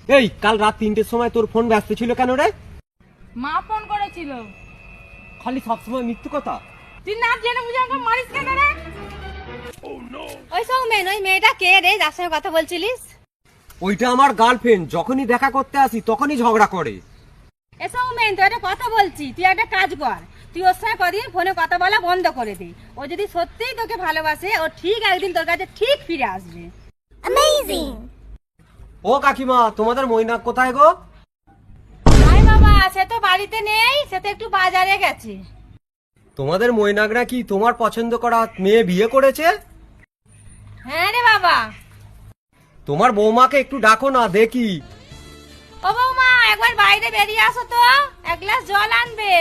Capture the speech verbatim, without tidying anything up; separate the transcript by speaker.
Speaker 1: এই কাল রাত তিনটের সময় তোর ফোন ব্যস্ত ছিল কেন রে?
Speaker 2: মা ফোন করেছিল।
Speaker 1: খালি সবসময় মিথ্যে কথা।
Speaker 2: তুই না জেনে বুঝে আমাকে মারিস কেন রে?
Speaker 3: ওই সৌমেন, ওই মেয়েটা কে রে যার সঙ্গে কথা বলছিলিস?
Speaker 1: ওইটা আমার গার্লফ্রেন্ড, যখনই দেখা করতে আসি তখনই ঝগড়া করে।
Speaker 3: এ সৌমেন, তুই একটা কথা বলছি, তুই একটা কাজ কর, তুই ওর সঙ্গে কদিন ফোনে কথা বলা বন্ধ করে দে। ও যদি সত্যিই তোকে ভালোবাসে, ও ঠিক একদিন তোর কাছে ঠিক ফিরে আসবে।
Speaker 1: ও কাকিমা, তোমাদের মৈনাক কোথায় গো?
Speaker 3: আয় বাবা, সে তো বাড়িতে নেই, সে তো একটু বাজারে গেছে।
Speaker 1: তোমাদের মৈনাকরা কি তোমার পছন্দ করা মেয়ে বিয়ে করেছে?
Speaker 3: হ্যাঁ রে বাবা।
Speaker 1: তোমার বৌমাকে একটু ডাকো না দেখি।
Speaker 3: ও বৌমা, একবার বাইরে বেরিয়ে আসো তো, এক গ্লাস জল আনবে।